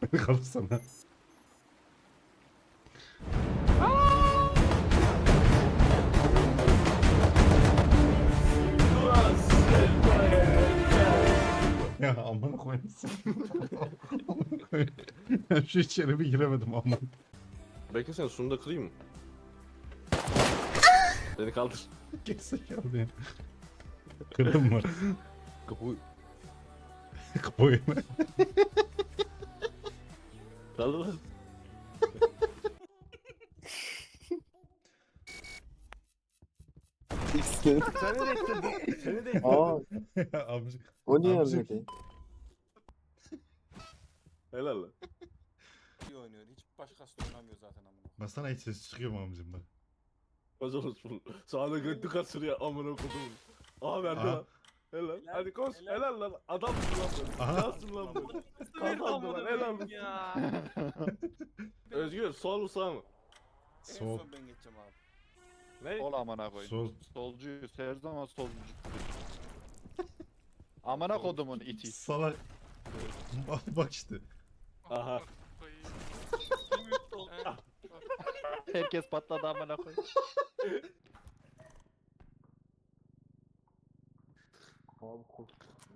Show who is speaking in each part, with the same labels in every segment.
Speaker 1: Kapsana. Ya amına koyayım. Amına koyayım. Ben şu içeri bir giremedim amına.
Speaker 2: Bekle sen şunu da kırayım mı? Beni kaldır.
Speaker 1: Gerizekalı ya. Kırdın mı?
Speaker 2: Kapıyı
Speaker 1: Kapıyı mı?
Speaker 2: kaldır lan.
Speaker 3: Seni
Speaker 2: Seni de ekledim. Seni de ekledim.
Speaker 3: Aa,
Speaker 1: Amcık.
Speaker 3: o niye
Speaker 1: Amcık.
Speaker 3: ölmedi?
Speaker 2: Helal lan.
Speaker 4: İyi oynuyor. Hiç başkası da oynamıyor zaten amına.
Speaker 1: Basana hiç ses çıkıyor mu amcım bak.
Speaker 2: Koş olsun. Sağda götlü kasırıyor amına kodum. Aha verdi
Speaker 1: Aha.
Speaker 2: lan. Helal.
Speaker 4: Helal,
Speaker 2: Hadi koş.
Speaker 4: helal.
Speaker 2: Helal lan. Adamsın lan böyle.
Speaker 1: Aha.
Speaker 2: Cansın lan böyle. Kazandı lan. Helal olsun.
Speaker 4: Ya.
Speaker 2: Özgür sol mu sağ mı?
Speaker 4: En
Speaker 1: Sol.
Speaker 4: son ben geçeceğim abi.
Speaker 2: Ne?
Speaker 5: Sol amına koyayım.
Speaker 1: Sol.
Speaker 5: Solcuyuz her zaman solcu. Amına kodumun iti.
Speaker 1: Salak. Bak işte.
Speaker 2: Aha.
Speaker 5: Herkes patladı amına koyayım.
Speaker 3: Abi kork.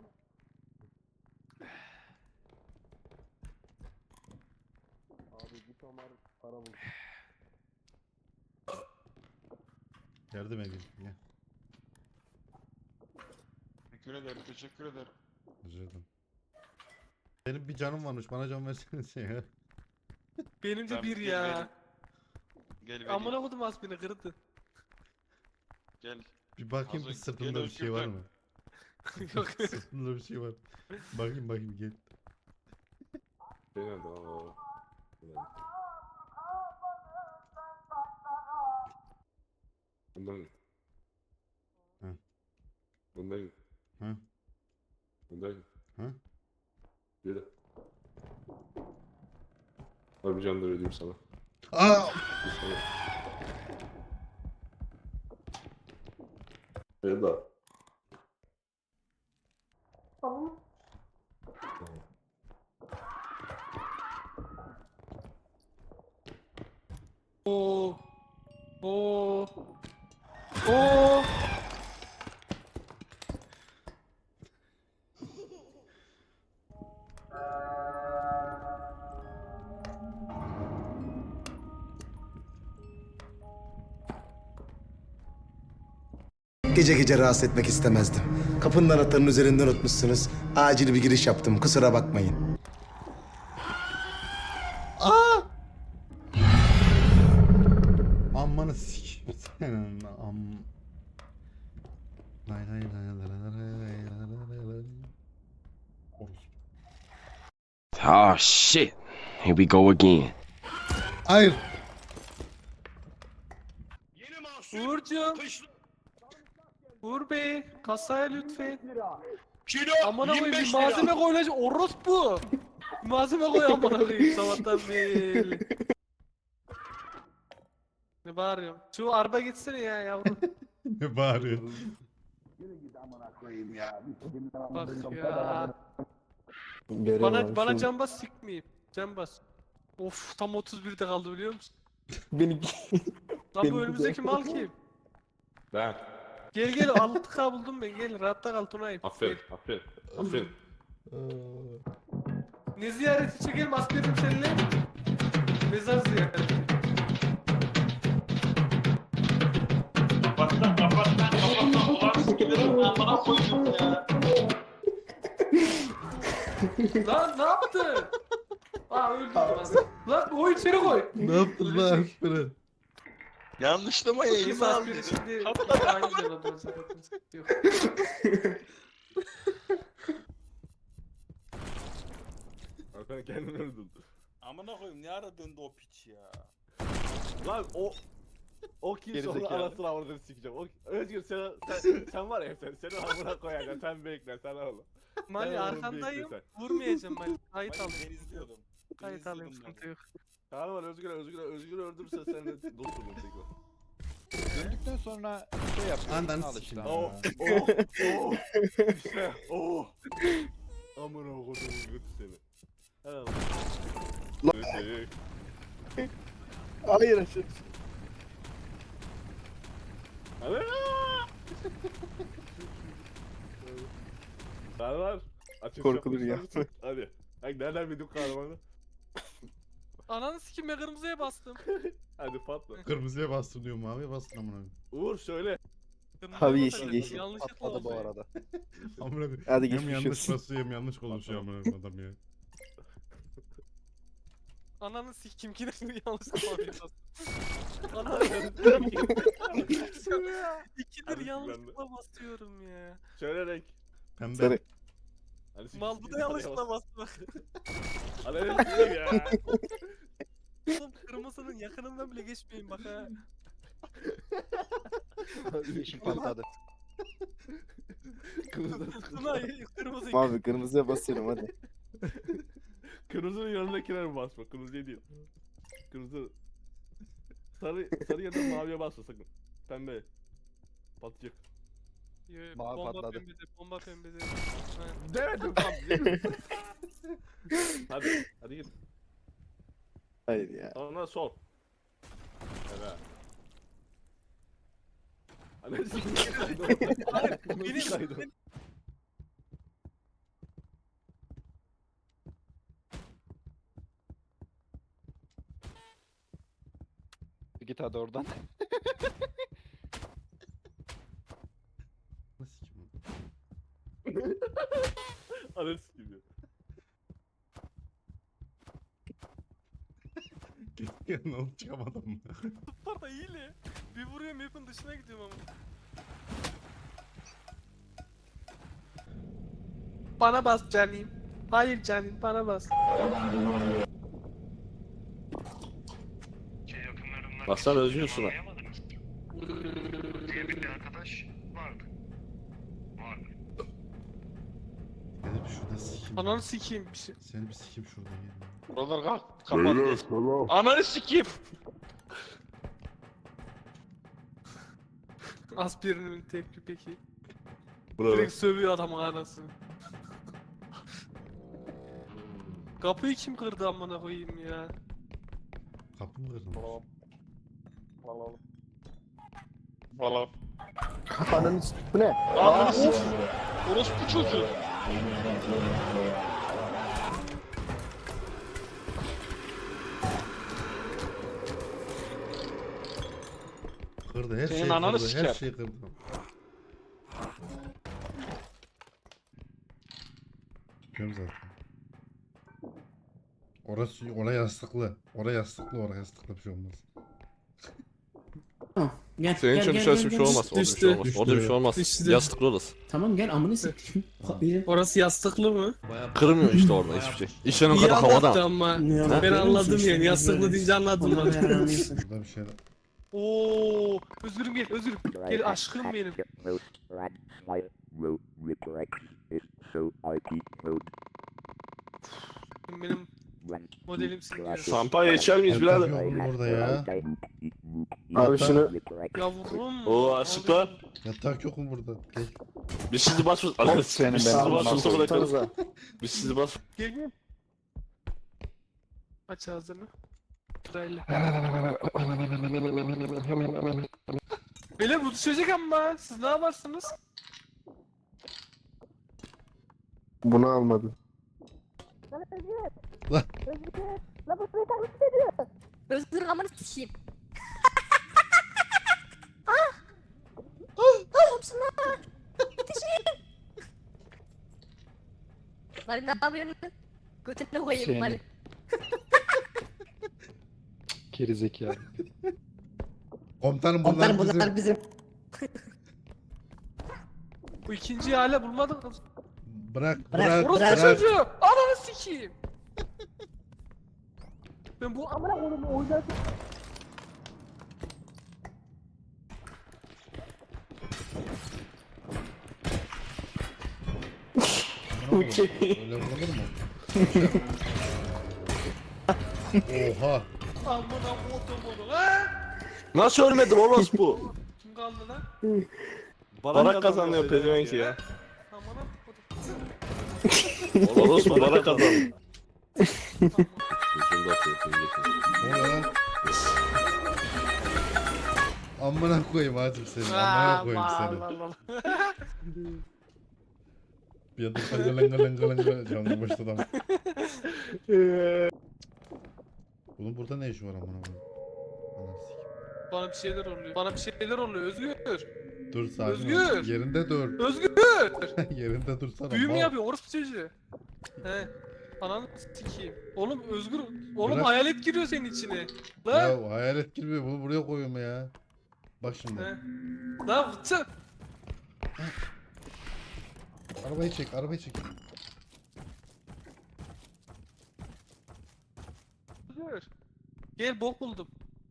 Speaker 3: Abi bir tomar para bul.
Speaker 1: Yardım edeyim. Gel.
Speaker 6: Teşekkür ederim, teşekkür ederim.
Speaker 1: Rica ederim. Benim bir canım varmış. Bana can versenize ya.
Speaker 7: Benim de
Speaker 6: Sen
Speaker 7: bir
Speaker 6: gel
Speaker 7: ya.
Speaker 6: vereyim. Gel vereyim.
Speaker 7: Amına kodum az beni kırdı.
Speaker 6: Gel.
Speaker 1: Bir bakayım
Speaker 6: Hazır,
Speaker 1: bir sırtımda
Speaker 6: gel
Speaker 1: bir şey
Speaker 6: Özgür
Speaker 1: var
Speaker 6: dön.
Speaker 1: mı?
Speaker 7: Yok.
Speaker 1: Sırtımda bir şey var. Bakayım gel.
Speaker 2: Helal lan. Helal. Bundan.
Speaker 1: Hı.
Speaker 2: Bundan.
Speaker 1: Hı.
Speaker 2: Bundan.
Speaker 1: Hı.
Speaker 2: Yürü. Abi candır ödeyeyim sana.
Speaker 1: Aa!
Speaker 2: Helal.
Speaker 7: Oo. Oo. Oo.
Speaker 8: Gece gece rahatsız etmek istemezdim. Kapının anahtarının üzerinde unutmuşsunuz. Acil bir giriş yaptım. Kusura bakmayın.
Speaker 1: Aa! Amanı sikeyim senin am. Lay lay lay lay lay lay lay lay lay lay. Orospu.
Speaker 9: Oh shit. Here we go again.
Speaker 1: Hayır.
Speaker 7: Uğurcuğum. Uğur Bey. Kasaya lütfen. Amına koyayım bir malzeme koyulacak. Orospu. Bir malzeme koy amına koyayım sabahtan beri. Ne bağırıyorum? Şu araba gitsene ya yavrum.
Speaker 1: Ne bağırıyor?
Speaker 7: Bak ya.
Speaker 3: Görüyorum
Speaker 7: Bana
Speaker 3: abi,
Speaker 7: can bas sikmeyeyim. Can bas. Of tam 31'de kaldı biliyor musun?
Speaker 3: Beni
Speaker 7: Lan
Speaker 3: Benim
Speaker 7: bu
Speaker 3: de-
Speaker 7: önümüzdeki mal kim?
Speaker 2: Ben.
Speaker 7: Gel 6K buldum ben gel rahatta kal Tunay'ım.
Speaker 2: Aferin. Aferin. Aferin.
Speaker 7: Ne ziyareti çekelim askerim seninle? Mezar ziyareti. Lan ne yaptın? Aa öldürdüm aslında. Lan o içeri koy.
Speaker 1: Ne yaptın lan? Fırat?
Speaker 6: Yanlışlama
Speaker 7: İki
Speaker 6: yayını
Speaker 7: saat
Speaker 6: aldı.
Speaker 7: bir şimdi aynı güzel oldu zaten sıkıntı yok.
Speaker 2: Hakan kendini öldürdü.
Speaker 4: Amına koyayım ne ara döndü o piç ya.
Speaker 2: Lan o kim sonra
Speaker 5: Gerizekalı.
Speaker 2: anasını avradını sikeceğim. Özgür sen var ya seni amına koyacağım. Sen bekle sen oğlum.
Speaker 7: Mali
Speaker 2: Sen oğlum
Speaker 7: arkandayım.
Speaker 2: bekle
Speaker 7: Vurmayacağım Mali. Kayıt
Speaker 4: Ben
Speaker 7: al.
Speaker 4: izliyordum.
Speaker 7: Kayıt alayım sıkıntı yok.
Speaker 2: Tamam var Özgür öldürürse seninle dost olun tekrar.
Speaker 5: Döndükten sonra şey yap.
Speaker 1: Andan
Speaker 5: Al
Speaker 1: sikeyim.
Speaker 5: işte.
Speaker 2: Oh işte amına kodumun götü seni. Helal olsun.
Speaker 3: Hayır aşağı.
Speaker 2: Hadi. Kahraman. Açış
Speaker 3: Korkulur
Speaker 2: yapmak
Speaker 3: ya.
Speaker 2: ister misin? Hadi. Bak nereden bildim kahramanı?
Speaker 7: Ananı sikim ben kırmızıya bastım.
Speaker 2: Hadi patla.
Speaker 1: Kırmızıya bastın diyor, maviye bastın amına koyayım.
Speaker 2: Uğur söyle.
Speaker 7: Kırmızıya
Speaker 3: Abi
Speaker 7: basacaktım,
Speaker 3: yeşil.
Speaker 7: Yanlışlıkla
Speaker 5: Patladı bu
Speaker 7: oldu.
Speaker 5: arada.
Speaker 1: Amına koyayım.
Speaker 3: Hadi
Speaker 1: Hem
Speaker 3: geçmiş
Speaker 1: yanlış
Speaker 3: olsun.
Speaker 1: basıyor hem yanlış konuşuyor amına koyayım adam ya.
Speaker 7: Ananı sikim ki de yanlışlıkla maviye bastım. Ananı İkidir
Speaker 2: Hadi
Speaker 7: yanlışlıkla basıyorum ya.
Speaker 2: Söyle renk.
Speaker 1: Pembe.
Speaker 3: Sarı.
Speaker 2: Hadi siz-
Speaker 7: Mal bu da yanlışlıkla bastı bak.
Speaker 2: Hadi renk söyle ya.
Speaker 7: Oğlum kırmızının yakınından bile geçmeyin bak ha.
Speaker 5: Yeşil patladı.
Speaker 7: Tuna kırmızı.
Speaker 3: Abi kırmızıya basıyorum hadi.
Speaker 2: Kırmızının yanındakilere mi basma? Kırmızıya değil. Kırmızı. Sarı ya da maviye basma sakın. Pembe. Patlayacak.
Speaker 5: Mavi
Speaker 7: Bomba
Speaker 5: patladı.
Speaker 7: pembede, bomba pembede. Ha.
Speaker 2: Demedim tam. Hadi git.
Speaker 3: Hayır ya.
Speaker 2: Sonra sol. Evet. Hadi siktir kaydı orada.
Speaker 7: Hayır,
Speaker 2: Kırmızı kaydı.
Speaker 7: benim
Speaker 5: Git hadi oradan.
Speaker 1: Nasıl kim?
Speaker 2: Hadi siktir.
Speaker 1: Gel ne oldu, çıkamadım mı?
Speaker 7: Sparta iyili. Bir vuruyorum map'in dışına gidiyorum ama. Bana bas canim. Hayır canim bana bas.
Speaker 2: Baksana özgür şuna.
Speaker 1: Seni bir şurada sikeyim.
Speaker 7: Ananı sikeyim bir şey.
Speaker 1: Seni bir sikeyim şurada gel.
Speaker 6: Buralar kapat. Ananı sikeyim.
Speaker 7: Aspirinin tepki peki.
Speaker 2: Bravo.
Speaker 7: Direkt sövüyor adamın anasını. Kapıyı kim kırdı amına koyayım ya?
Speaker 1: Kapı mı kırdın?
Speaker 6: Valla.
Speaker 3: Ananı bu ne?
Speaker 6: Ananı sikeyim. Orospu çocuğu.
Speaker 1: Kırdı, her
Speaker 6: Senin
Speaker 1: şeyi
Speaker 6: ananı
Speaker 1: kırdı, her
Speaker 6: siker.
Speaker 1: şeyi kırdı. Görüyorum zaten. Oraya yastıklı. Oraya yastıklı bir şey olmaz.
Speaker 10: Gel,
Speaker 2: Senin için dışarısı bir şey olmaz. Orada bir şey olmaz.
Speaker 1: Düştü.
Speaker 2: Orada bir şey olmaz.
Speaker 10: Düştü.
Speaker 2: Yastıklı orası.
Speaker 10: Tamam gel amını sikeyim.
Speaker 7: Orası yastıklı mı?
Speaker 2: Kırmıyor işte orada hiçbir şey. İşlerin
Speaker 7: İyi
Speaker 2: kadar
Speaker 7: anlattı
Speaker 2: havada.
Speaker 7: ama. Ben anladım yani yastıklı deyince anladım.
Speaker 1: Burada bir şey
Speaker 7: Oo, özürüm gel özürüm. Gel aşkım benim. Benim modelimsin diyor.
Speaker 2: Şampanya içer miyiz birader?
Speaker 1: Yok burada ya.
Speaker 3: Abi şunu
Speaker 7: Yavrum.
Speaker 2: Oo aşıklar.
Speaker 1: Yatak yok mu burada? Gel.
Speaker 2: Biz sizi basmıyoruz.
Speaker 5: Senin
Speaker 2: Biz sizi
Speaker 5: ben
Speaker 2: basmıyoruz bırakarız.
Speaker 3: tutarız
Speaker 2: Biz sizi bas.
Speaker 7: Gel gel. Aç ağzını. Sırayla. Beyler bu düşecek ama siz ne yaparsınız?
Speaker 3: Bunu almadı.
Speaker 11: La bu suyu taklit ediyor. Özür amanı sikeyim. Olsun lan. Yetişin. Mali ne yapıyorsun? Götüne koyayım
Speaker 5: Seni.
Speaker 11: Mali.
Speaker 5: Geri zekalı.
Speaker 1: Komutanım
Speaker 10: Onlar
Speaker 1: bunlar
Speaker 10: bunlar
Speaker 1: bizim.
Speaker 10: bizim.
Speaker 7: Bu ikinciyi hala bulmadın mı?
Speaker 1: Bırak
Speaker 10: Bırak,
Speaker 1: bırak
Speaker 7: Orası
Speaker 1: bırak.
Speaker 7: çocuğu! Ananı sikeyim! Ben bu
Speaker 11: Amına koyayım oynadım.
Speaker 1: Öyle vurulur mu? Oha.
Speaker 7: amına kodumun ha?
Speaker 2: Nasıl ölmedim orospu?
Speaker 7: Kim kaldı lan?
Speaker 2: Barak kazanıyor pezevenk ya.
Speaker 7: Amına kodum.
Speaker 2: Orospu barak kazanıyor.
Speaker 7: Tamam.
Speaker 9: Şunu da atıyorsun.
Speaker 1: Ne oluyor lan? Amına koyayım hacım seni. Amına koyayım seni. Bir anda langalanga canlı başladı. Bunun burada ne işi var amına koyayım? Anasını sikeyim.
Speaker 7: Bana bir şeyler oluyor. Bana bir şeyler oluyor. Özgür.
Speaker 1: Dur sakin ol.
Speaker 7: Özgür!
Speaker 1: Yerinde dur.
Speaker 7: Özgür!
Speaker 1: Yerinde dursana.
Speaker 7: Büyü mü
Speaker 1: mal.
Speaker 7: yapıyor orospu çocuğu? He. Ananı sikeyim. Oğlum Özgür. Oğlum
Speaker 1: Bırak.
Speaker 7: hayalet giriyor senin içine. Lan.
Speaker 1: Ya hayalet girmiyor. Bunu buraya koyuyorum ya. Bak şimdi.
Speaker 7: He. Lan fıçı.
Speaker 1: Arabayı çek, arabayı çek.
Speaker 7: Özgür. Gel bok buldum.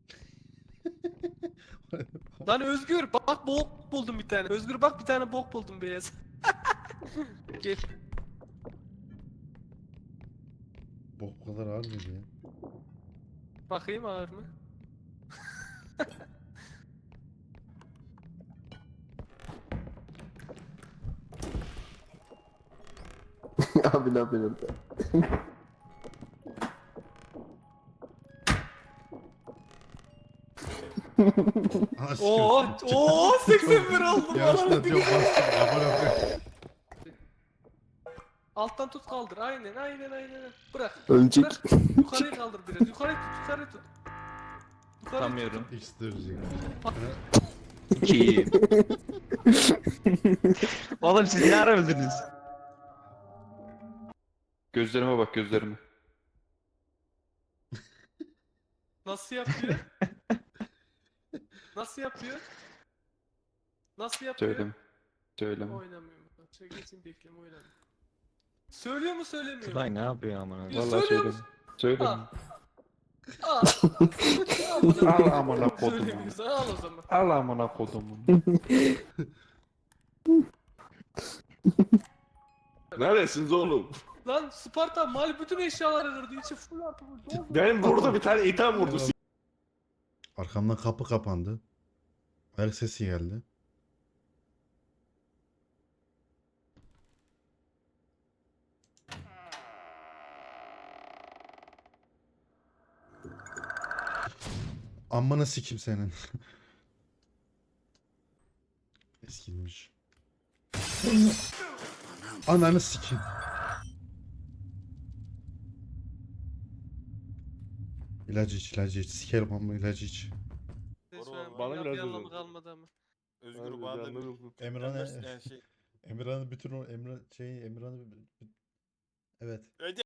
Speaker 7: Lan Özgür bak bok buldum bir tane. Özgür bak bir tane bok buldum beyaz. Gel.
Speaker 1: Bok bu kadar ağır mıydı ya?
Speaker 7: Bakayım ağır mı?
Speaker 3: Abi ne yapıyorsun?
Speaker 1: Ana
Speaker 7: Oo,
Speaker 1: sikeyim.
Speaker 7: oo 81 oldum.
Speaker 1: Yanlışlıkla diyorum bastım. Amına koyayım.
Speaker 7: Alttan tut kaldır. Aynen. Bırak.
Speaker 3: Ölecek.
Speaker 7: Bırak. Yukarıya kaldır biraz. Yukarı tut.
Speaker 6: Tutamıyorum.
Speaker 1: İstiyoruz.
Speaker 6: Kim? Oğlum siz ne ara öldünüz?
Speaker 5: Gözlerime bak gözlerime.
Speaker 7: Nasıl yapıyor? Nasıl yapıyor? Nasıl yapıyor?
Speaker 5: Söyleme. Söyleme.
Speaker 7: Oynamıyorum. Geçin bekleme oynamıyorum. Söylüyor mu söylemiyor mu?
Speaker 6: Tülay ne yapıyor amına?
Speaker 7: Ya
Speaker 5: Vallahi
Speaker 7: söylüyor
Speaker 5: söyleme.
Speaker 7: musun?
Speaker 5: Söyleme.
Speaker 7: Al.
Speaker 5: Al amına kodumu.
Speaker 7: Söylemiyorsan al o zaman.
Speaker 5: Al amına kodumu.
Speaker 2: Neredesiniz oğlum?
Speaker 7: Lan Sparta mal bütün eşyaları kırdı. İçi full artı full.
Speaker 2: Ben burada bir tane itham vurdu.
Speaker 1: Arkamdan kapı kapandı. Ayak sesi geldi. Amına sikim senin. Eskilmiş. Ananı sikim. İlacı iç. Sikerim ama ilacı iç.
Speaker 2: Bana biraz
Speaker 7: bir anlamı
Speaker 2: özür.
Speaker 7: kalmadı ama.
Speaker 4: Özgür bana da bir
Speaker 1: Emran'a
Speaker 4: yani şey
Speaker 1: Emirhan'ın bütün o Emirhan'ı evet.